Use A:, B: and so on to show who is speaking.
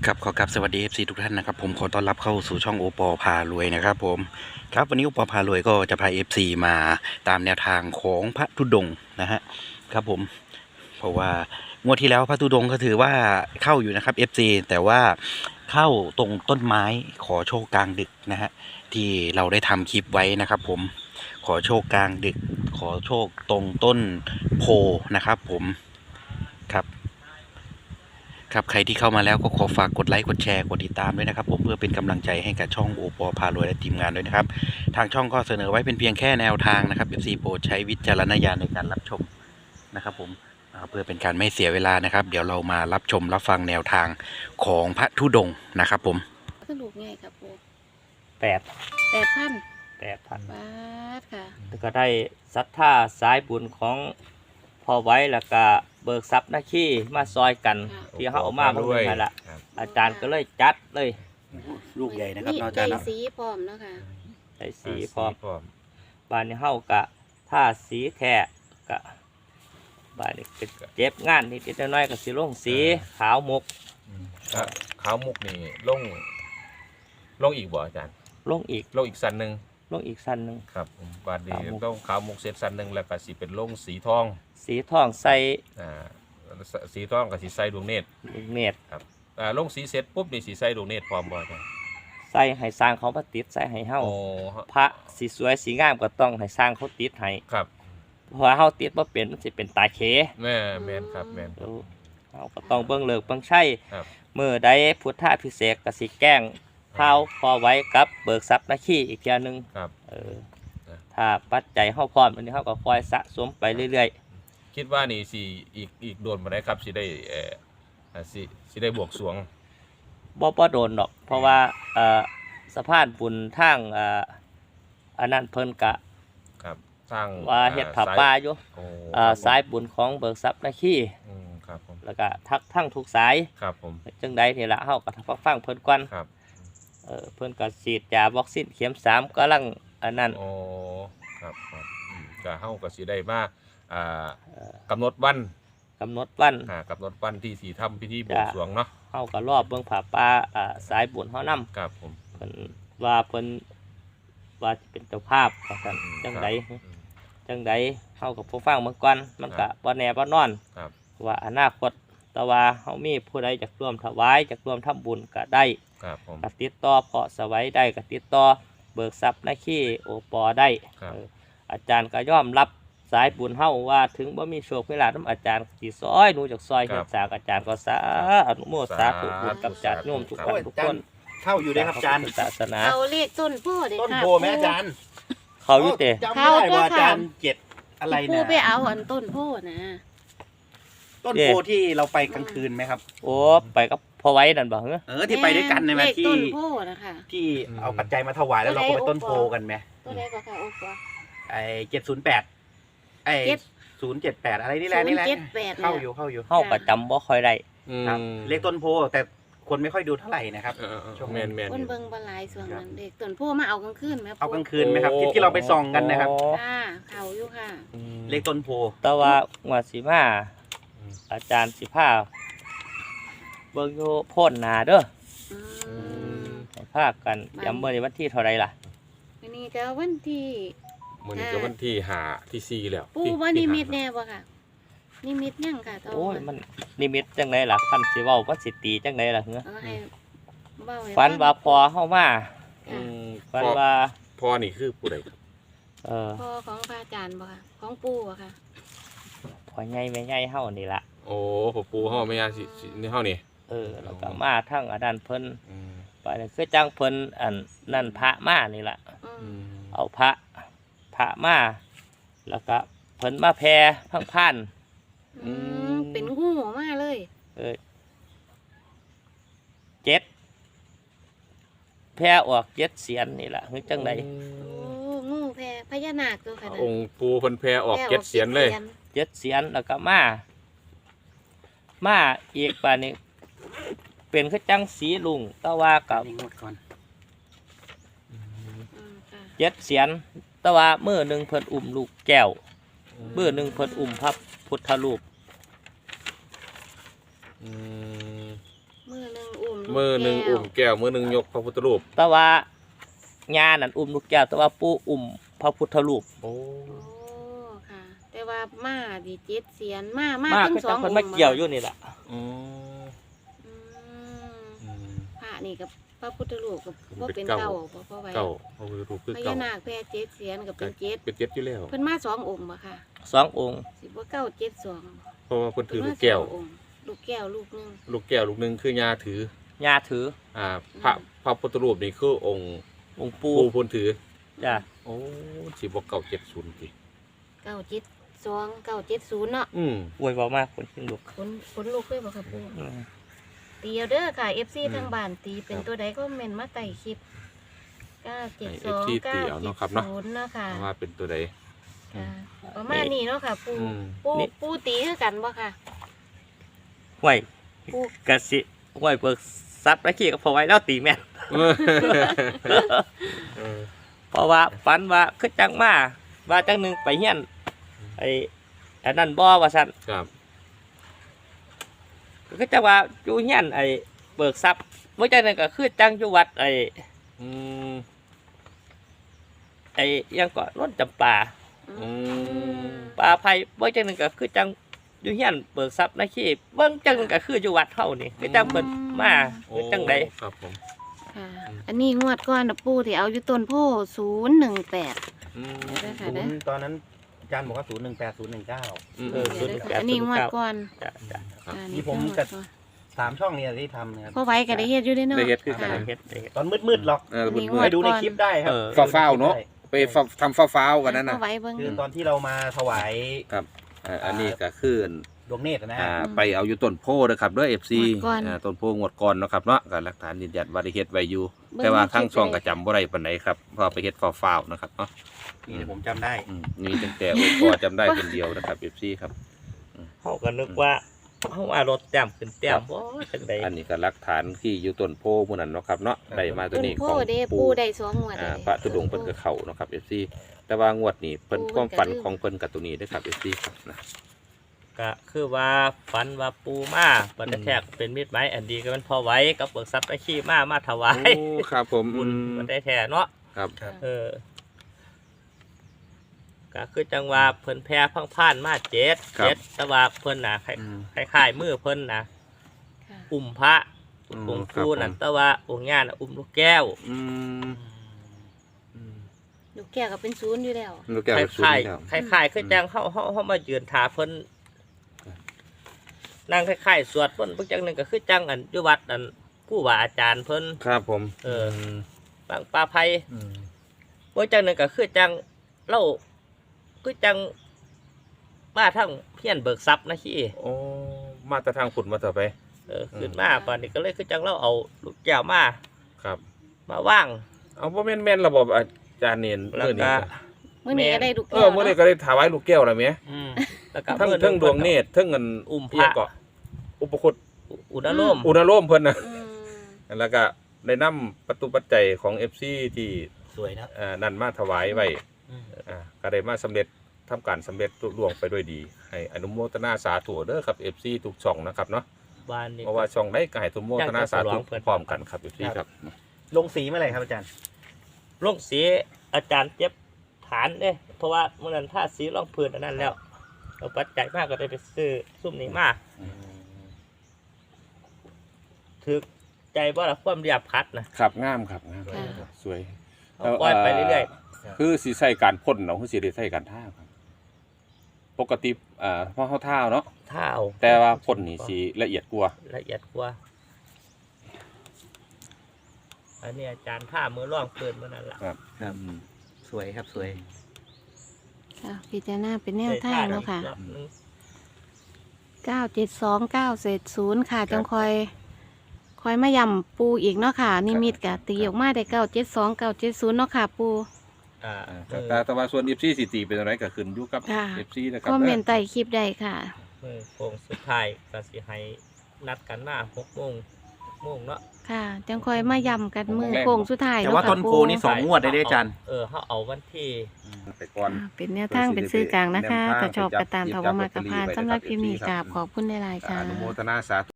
A: ครับขอกราบสวัสดี FC ทุกท่านนะครับผมขอต้อนรับเข้าสู่ช่องโอปอพารวยนะครับผมครับวันนี้โอปอพารวยก็จะพา FC มาตามแนวทางของพระธุดงค์นะฮะครับผมเพราะว่างวดที่แล้วพระธุดงค์ก็ถือว่าเข้าอยู่นะครับ FC แต่ว่าเข้าตรงต้นไม้ขอโชคกลางดึกนะฮะที่เราได้ทำคลิปไว้นะครับผมขอโชคกลางดึกขอโชคตรงต้นโพนะครับผมครับใครที่เข้ามาแล้วก็ขอฝากกดไลค์กดแชร์กดติดตามด้วยนะครับผมเพื่อเป็นกำลังใจให้กับช่องโอปอพารวยและทีมงานด้วยนะครับทางช่องก็เสนอไว้เป็นเพียงแค่แนวทางนะครับ FC โปรดใช้วิจารณญาณในการรับชมนะครับผมเพื่อเป็นการไม่เสียเวลานะครับเดี๋ยวเรามารับชมรับฟังแนวทางของพระธุดงค์นะครับผม
B: สรุปไงครับปู
C: 8
B: 8,000
C: 8,000
B: บาทค่ะ
C: แล้วก็ได้ศรัทธาสายบุญของพ่อไว้แล้วก็เบิกทรัพย์หน้าขี้มาซอยกันที่เขาเอามาเมื่อไหร่ละอาจารย์ก็เลยจัดเลย
A: ลูกใหญ่นะครับอาจา
B: ใจ
A: รย์นะ
B: สีพร้อมเนาะค่ะ
C: ใส่สีพร้อมบ้านนี้เฮากะถ้าสีแท้กะบ้านนี้เจ็บงานนิดๆน้อยๆก็สิลงสีขาวมุก
D: ขาวมุกนี่ลงอีกบ่อาจารย์
C: ลงอีก
D: สันหนึ่ง
C: ลงอีกสั้นหนึ่ง
D: ครับบาดนี้ต้องขาวมุกเสร็จสันหนึ่งแล้วก็สิเป็นลงสีทอง
C: ใส่
D: สีทองกับสีใส่ดวงเนตรครับลงสีเสร็จปุ๊บนี่สีใส่ดวงเนตรพร้อมบ่อาจารย์
C: ใส่ให้สร้างเขามาติดใส่ให้เฮาพระสีสวยสีงามก็ต้องให้สร้างเขาติดให้
D: ครับ
C: เพราะเฮาติดบ่เป็นมันสิเป็นตาเข
D: แม่นครับแม่น
C: เฮาก็ต้องเบิ่งเลิกเบิ่งใช้มื้อใดพุทธพิเศษก็สิแกล้งเฮาพอไว้กับเบิกทรัพย์หน้าขี้อีกเที่ยนึง
D: ครับ
C: ถ้าปัจจัยเฮาพร้อมอันนี้เฮาก็คอยสะสมไปเรื่อย
D: ๆคิดว่านี่สิอีกโดนบ่ได้ครับสิได้สิได้บวกสวง
C: บ่โดนดอกเพราะว่าสะพานบุญทางอันนั้นเพิ่นก็
D: ครับสร้าง
C: ว่าเฮ็ดผ้าป่าอยู่สายบุญของเบิกทรัพย์หน้าขี้
D: ครับผม
C: แล้วก็ทั้งทุกสาย
D: ครับผม
C: จังใดนี่ล่ะเฮาก็ฟังเพิ่นก่อน
D: ครับ
C: เพิ่นก็ฉีดยาวัคซีนเข็ม3กำลังอันนั้น
D: ครับก็เฮาก็สิได้มากำหนดวัน
C: กำหนด
D: วันที่สิทำพิธีบวงสรวงเนาะ
C: เฮาก็รอบเบิ่งผ้าป่าสายบุญเฮานำ
D: ครับผม
C: เพิ่นว่าสิเป็นเจ้าภาพว่าซั่นจังใดเฮาก็ผู้ฟังเบิ่งก่อนมันก็บ่แน่บ่นอนว่าอนาคตแต่ว่าเฮามีผู้ใดอยากร่วมถวายอยากร่วมทำบุญก็ได้ก็ติดต่อเพาะสวัยได้ก็ติดต่อเบิกทรัพย์หน้าขี้โอปอได้อาจารย์ก็ยอมรับสายบุญเฮาว่าถึงบ่มีโชคมีลาภนำอาจารย์สิซอยหนูจากซอยเฮ็ดสร้างอาจารย์ก็สาธุสาธุบุญกับญาติโยมทุกคน
A: เข้าอยู่ได้ครับอาจารย์
C: ศาสนา
B: เอาเลขต้นโพเด้
A: ค่ะต้นโพแม่อาจารย์
C: เขาอยู่เตะ
A: จำไม่ได้ว่าอาจารย์7อะไรนะ
B: ปูไปเอาอันต้นโพนะ
A: ต้นโพที่เราไปกลางคืนไหมครับ
C: โอ้ไปกับพ่อไว้นั่นบ่
A: ที่ไปด้วยกันในมาที่
B: ต้นโพนะคะ
A: ที่เอาปัจจัยมาถวายแล้วเราก็ไปต้นโพกันไหม
B: ตัวไหนก็ค่ะโอ้ปอ
A: 708อะไรนี่แหละเข้าอยู่
C: เฮาก็จำบ่ค่อยได้
A: ครับเลขต้นโพแต่คนไม่ค่อยดูเท่าไหร่นะครับ
D: แม่น
B: คนเบิ่งบ่หลายส่วนนั้นเด็กต้นโพมาเอากลางคืนมั้ย
A: เอากลางคืนมั้ยครับที่เราไปส่องกันนะครับ
B: เข้าอยู่ค่ะ
A: เลขต้นโพ
C: แต่ว่างวดสิมาอาจารย์สิพาเบิ่งอยู่โพนนาเด้อให้พากันย้ำมื้อนี้วันที่เท่าใดล่ะ
B: อันนี้ก็วันที่
D: มื้อนี้ก็วันที่5ที่4แล้ว
B: ปู่ว่านิมิตแน่บ่ค่ะนิมิตยังค่ะ
C: โอ้ยมันนิมิตจังไดล่ะคันสิเว้าว่าสิตีจังไดล่ะ
B: ให้เว้า
C: ฝันว่าพอเฮามาฝันว่า
D: พ่อนี่คือผู้ใดครับ
B: พ่อของพระอาจารย์บ่ค่ะของปู่บ่ค่ะ
C: พ่อใหญ่แม่ใหญ่เฮานี่ล่ะ
D: โอ้พ่อปู่เฮาแม่ย่าสินี่เฮานี่
C: แล้วก็มาทั้งอดันเพิ่นไปคือจังเพิ่นอันนั่นพระมานี่ล่ะเอาพระมาแล้วก็เพิ่นมาแผ่พัง
B: เป็นงูมาเลย
C: 7แผ่ออก7เสียนนี่ล่ะคือจังได๋
B: งูแผ่พญานาคตัวค่ะ
D: องค์ปู่เพิ่นแผ่ออก7เสียนเลย
C: 7เสียนแล้วก็มาอีกป่านนี้เป็นคือจังสีลุงแต่ว่ากับ7เสียนแต่ว่ามื้อนึงเพิ่นอุ้มลูกแก้วมื้อนึงเพิ่นอุ้มพระพุทธรูป
B: มื้อนึงอุ้ม
D: มือหนึ่งอุ้มแก้วมือหนึ่งยกพระพุทธรูป
C: แต่ว่าญานั่นอุ้มลูกแก้วแต่ว่าปู่อุ้มพระพุทธรูป
D: โอ้
B: โอ้ค่ะ แต่ว่ามาดีเจ็ดเสียนมา
C: มา
B: ถึง
C: ก็
B: ส
C: จั
B: อง ง
C: เพิ่น
B: อง
C: มา
B: ค์
C: เกี่ยวอยู่นี่ล่ะ
D: อืม
B: อืม
D: อืม
B: พระนี่กับพระพุทธรูปกับบ่เป็น
D: เป็นเก้า
B: เก้าบ่พ่อไว้
D: เก้าพระพุทธรูปคือ
B: พ
D: เก้า
B: ญานาคแพร่เจ็ดเสียนกับเป็นเจ็ด
D: เป็นเจ็ดอยู่แล้ว
B: เพิ่นมาสององค์บ่ค่ะ
C: 2 องค์
B: สิบ่เก้าเจ็ดสอง
D: เพราะว่าเพิ่นถือลูกแก้ว
B: เพิ่นมาสององค์ลูกแก้วลูกหนึง
D: ลูกแก้วลูกหนึงคือยาถือ
C: ญาถือ
D: พระพุทธรูปนี่คือองค์
C: องค์ปู่
D: ปู่เพิ่นถือ
C: จ้ะ
D: โอ้สิบ่เก้าเจ็ดศูนย์ติ
B: เก้าเจ็ดสองเก้าเจ็ดศูนย์เนาะ
D: อืม
C: อวยเว้ามากคนขึ้นลูก
B: ขนลูกเลยบ่ค่ะปู่
C: อืม
B: ตีเอาเด้อค่ะ FC
D: อืม
B: ทางบ้านตีเป็น
D: ครับ
B: ตัวใดก็เม่นมาไต่คลิป972
D: ให้ FC ตีเอาเนาะครับเนาะ
B: 970เนาะค่ะ
D: ว่าเป็นตัวใด
B: ค่ะประมาณนี้เนาะค่ะ ปู
D: อืม
B: ปูตีคือกันบ่ค่ะ
C: ห้วย
B: ปู่
C: กะสิห้วยเบิกทรัพย์และขี้ก็พอไว้แล้วตีแม่น
D: เออ
C: เพราะว่าฝันว่าคือจังมาว่าจังหนึงไปเฮียนไอ้อันนั้นบ่ว่าซั่น
D: ครับ
C: ก็จังว่าอยู่เฮียนไอ้เบิกทรัพย์บ่จังนั้นก็คือจังอยู่วัดไอ้
D: อืม
C: ไอ้อิหยังก็ร่นจำปา
D: อืม
C: ป่าไผ่บ่จังหนึงก็คือจังอยู่เฮียนเบิกทรัพย์นะขี้เบิ่งจังหนึงก็คืออยู่วัดเฮานี่คือจังเพิ่นมาคือจังได๋
D: ครับผม
B: ค่ะ อันนี้งวดก่อนนะปูที่เอาอยู่ต้นโพ018
D: อืม
B: เด้อค่ะ
A: ศู
B: เด้อ
A: นย์ตอนนั้นอาจารย์บอกว่า018 019
D: อืม
C: เออ
B: เดี๋ยวเด้อค่ะอันนี้งวดก่อน
C: จ้ะจ้ะ
D: ครับ
B: ค่ะ
A: นี่ผม
B: งวด
A: กับ
B: ก่อน
A: 3 ช่องเนี่ยที่ทำนะครับ
B: พ่อไว้ก็ได้เฮ็ดอยู่เด้อเนาะ
D: ได้เฮ็ดคือกัน
B: ค่ะ
C: เฮ็ดได้เฮ็ด
A: ตอนมืดๆหรอก
D: เออ
B: อันนี้
D: เมื่
B: ง
D: อ
B: ว
A: ไป
B: ด
A: ดูในคลิปได้ครับ
C: เออ
D: ฟ้าวๆเนาะ ไปทำฟ้าวๆกันนั่น
B: พ่
D: นะ
B: อไว้เบิ่ง
A: คือตอนที่เรามาถวาย
D: ครับอันนี้ก็คือ
A: ดวงเนตรนะฮะ
D: ไปเอาอยู่ต้นโพนะครับเด้อ FC
B: งวดก่อน
D: ต้นโพงวดก่อนเนาะครับเนาะก็หลักฐานยืนยันว่าได้เฮ็ดไว้อยู่ แต่ว่าข้างช่องก็จำบ่ได้ปานใดครับเพราะไปเฮ็ดฟ้าวๆนะครับเนาะ
A: นี่ผมจำได้
D: มีตั้งแต่โอ้พอจำได้คนเดียวนะครับ FC ครับ
C: เฮาก็นึกว่าเฮาว่ารถแต้มขึ้นแต้มบ่จังได๋
D: อันนี้ก็หลักฐานที่อยู่ต้นโพหมู่นั้นเนาะครับเนาะได้มาตัว
B: ต้น
D: นี้
B: โพ
D: ของ
B: เด้ปู
D: ปู่
B: ได้สองงวดเลย
D: พระธุดงค์เพิ่นก็เข้าเนาะครับ FC แต่ว่างวดนี้เพิ่นความฝันของเพิ่นกับตัวนี้เด้อครับ FC ครับนะ
C: ก็คือว่าฝันว่าปูมาบัดแทกเป็นมิตรไม้อันดีก็มันพอไว้กับเบิกทรัพย์และขี้มาถวาย
D: โอ้ครับผม
C: บุญบัดได้แท้เนาะ
D: ครับ
C: เออก็คือจังว่าเพิ่นแพ้พังพ่านมาเจ็ดแต่ว่าเพิ่นน่ะคล้ายๆมือเพิ่นน่ะ
B: ค่ะ
C: อุ้มพระองค์ปู่นั่นแต่ว่าองค์ย่าน่ะอุ้มลูกแก้ว
D: อืม
B: ลูกแก้วก็เป็นศูนย์อยู่แล้ว
D: ลูกแก้ว
C: ค
D: เป็นศูน
C: ล้าย
D: ย์แล้ว
C: ๆคล้ายๆคือจังเฮามายืนถาเพิ่นนั่งคล้ายๆสวดเพิ่นเพิ่นจังหนึงก็คือจังอันอยู่วัดอันผู้ว่าอาจารย์เพิ่น
D: ครับผม
C: เออ บางปลาไผ่บ่จังหนึงก็คือจังเล่าคือจังมาทั้งเพี้ยนเบิกทรัพย์นะขี้
D: โอ้มาแต่ทางขุดมาต่อไป
C: ขึ้นมาป่านนี้ก็เลยคือจังเราเอาลูกแก้วมา
D: ครับ
C: มาว่าง
D: เอาบ่แม่นระบบอาจารย์เนียน
C: แล้ว
D: เมื่อ
C: ก็
D: นี้
B: มื้อนี้ก็ได้ลูก
D: เอ
B: แก้
D: อ
B: ว
D: เมื่อนี้
B: เนาะ
D: ก็ได้ถวายลูกแก้วแล้วแหม
C: แล้วก็
D: ทั้ง
C: มื้อห
D: ทั้งดวงเนตรทั้งเงิน
C: อุ้มพ
D: เอีย
C: ระ
D: งก็อุปคุต
C: อุณโลม
D: อุณโลมเพิ่นน่ะ
B: อืม
D: แล้วก็ได้นำประตูปัจจัยของ FC ที่
A: สวยนะ
D: นั่นมาถวายไว้ก็ได้มาสำเร็จทำการสำเร็จลุล่วงไปด้วยดี ให้อนุโมทนาสาธุเด้อครับ FC ทุกช่องนะครับเนาะ
C: บ้านนี้
D: เพราะว่าช่องได้ก็ให้อนุโมทนาสาธุพร้อมกันครับ FC ครับ
A: ลงสีเมื่อไหร่ครับอาจารย์
C: ลงสีอาจารย์เจ็บฐานเด้เพราะว่าเมื่อนั้นท่าสีรองพื้นอันนั้นแล้วเอาปัจจัยมากก็ได้ไปซื้อซุ่มนี้มาถึกใจบ่ละความเรียบพัดนะครับ
D: งามครับงาม
B: ค่ะ
D: สวย
C: เอาปล่อยไปเรื่อย
D: คือสิใส่การพ่นเนาะคือสิได้ใส่การท่าครับปกติเพราะเฮาท่าเนาะ
C: ๆถ้าเอา
D: แต่ว่าพ่นนี่สิละเอียดกว่า
C: ละเอียดกว่าอันนี้อาจารย์ท่ามือร่องพื้นเมื่อนั้นล่ะ
A: ครับสวยครับสวย
B: ค่ะพิจารณาเป็นแนวทางเนาะค่ะ
C: รอบนึง
B: 972970ค่ะจังคอยมาย่ำปูอีกเนาะค่ะ นิมิตกะตีออกมาได้972 970เนาะค่ะ ปู
D: แต่ว่าส่วน FC สิตีเป็นอะไรก็ขึ้นอยู่กับ
B: ค่ะ
D: FC นะครับ
B: คอมเมนต์ใต้คลิปได้ค่ะ
C: มือโค้งสุดท้ายก็สิให้นัดกันมา6 โมงเนาะ
B: ค่ะ จังคอยมาย่ำกันมือโค้งสุดท้าย
A: แต่
B: เนาะ
A: ว่า
B: ค่ะ
A: ต้นโพ
B: ปู
A: นี่2 งวดได้เด้ออาจารย์
C: เขาเอาวันที่
D: ไปก่อน
B: เป็นแนวทางเป็นสื่อกลางนะคะ
D: แนวทาง
B: ถ้าชอบกระตาม
D: ไปจับ
B: ถาวรมากระพาน
D: ลอตเตอรี่ไว้
B: สำหรับคลิปนี้
D: นะครับ
B: กราบขอบคุณหลายๆค่ะ
D: อนุโมทนาสาธุ